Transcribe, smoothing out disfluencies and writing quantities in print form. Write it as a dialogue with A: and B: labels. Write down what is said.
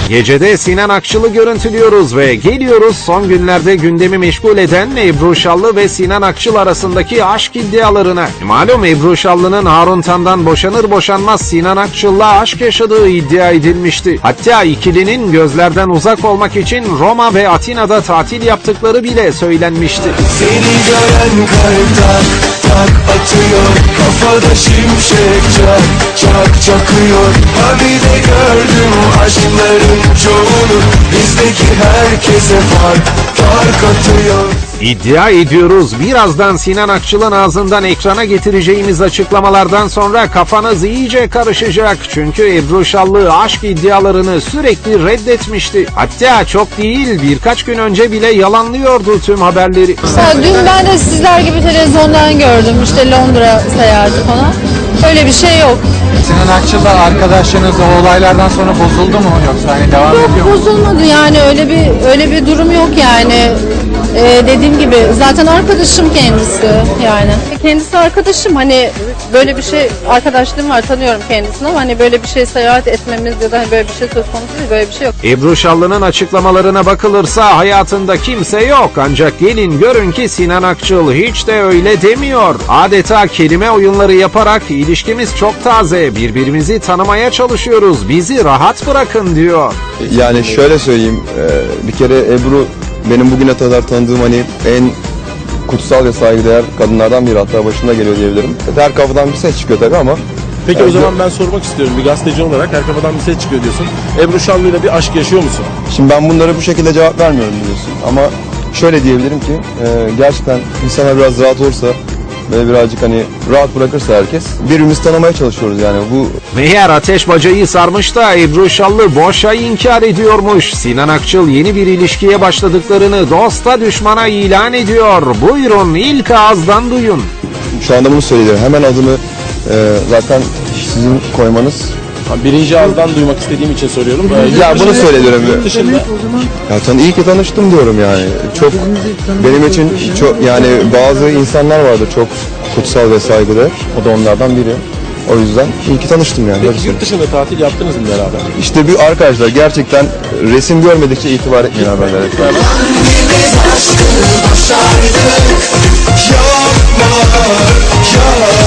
A: Gecede Sinan Akçıl'ı görüntülüyoruz ve geliyoruz son günlerde gündemi meşgul eden Ebru Şallı ve Sinan Akçıl arasındaki aşk iddialarına. Malum Ebru Şallı'nın Harun Tan'dan boşanır boşanmaz Sinan Akçıl'la aşk yaşadığı iddia edilmişti. Hatta ikilinin gözlerden uzak olmak için Roma ve Atina'da tatil yaptıkları bile söylenmişti.
B: Seni gören kalp tak tak atıyor, kafada şimşek çak çak çakıyor. Habide gördüm aşkların çoğunu, bizdeki herkese fark atıyor.
A: İddia ediyoruz, birazdan Sinan Akçıl'ın ağzından ekrana getireceğimiz açıklamalardan sonra kafanız iyice karışacak. Çünkü Ebru Şallı aşk iddialarını sürekli reddetmişti. Hatta çok değil, birkaç gün önce bile yalanlıyordu tüm haberleri.
C: Dün ben de sizler gibi televizyondan gördüm, işte Londra seyahati falan. Öyle bir şey yok.
D: Sinan Akçıl'la arkadaşlarınız o olaylardan sonra bozuldu mu, yoksa hani devam ediyor mu?
C: Yok, bozulmadı yani, öyle bir durum yok yani. Dediğim gibi zaten arkadaşım kendisi yani. Kendisi arkadaşım, hani böyle bir şey, arkadaşlığım var, tanıyorum kendisini ama hani böyle bir şey, seyahat etmemiz ya da hani böyle bir şey söz konusu değil, böyle bir şey yok.
A: Ebru Şallı'nın açıklamalarına bakılırsa hayatında kimse yok, ancak gelin görün ki Sinan Akçıl hiç de öyle demiyor. Adeta kelime oyunları yaparak ilişkimiz çok taze, birbirimizi tanımaya çalışıyoruz, bizi rahat bırakın diyor.
E: Yani şöyle söyleyeyim, bir kere Ebru benim bugüne kadar tanıdığım hani en kutsal ve saygıdeğer kadınlardan biri, hatta başında geliyor diyebilirim. Her kafadan bir ses çıkıyor tabii ama.
F: Peki o zaman ben sormak istiyorum, bir gazeteci olarak her kafadan bir ses çıkıyor diyorsun. Ebru Şallı'yla bir aşk yaşıyor musun?
E: Şimdi ben bunlara bu şekilde cevap vermiyorum diyorsun ama şöyle diyebilirim ki gerçekten insanlar biraz rahat olursa ve birazcık hani rahat bırakırsa herkes, birbirimizi tanımaya çalışıyoruz yani bu.
A: Meğer ateş bacayı sarmış da Ebru Şallı boşa inkar ediyormuş. Sinan Akçıl yeni bir ilişkiye başladıklarını dosta düşmana ilan ediyor. Buyurun ilk ağızdan duyun.
E: Şu anda bunu söylüyorum. Hemen adını zaten sizin koymanız.
F: Birinci ağızdan duymak istediğim için soruyorum.
E: Ya bunu söylüyorum.
F: Yurt dışında.
E: Ya iyi ki tanıştım diyorum yani. Çok benim için çok, yani bazı insanlar vardı çok kutsal ve saygıdeğer. O da onlardan biri. O yüzden iyi ki tanıştım yani.
F: Peki yurt dışında tatil yaptınız mı beraber?
E: İşte bir arkadaşlar gerçekten resim görmedikçe itibar etmeyin haberlere.
B: Biz aşkı başardık, yapma, yapma.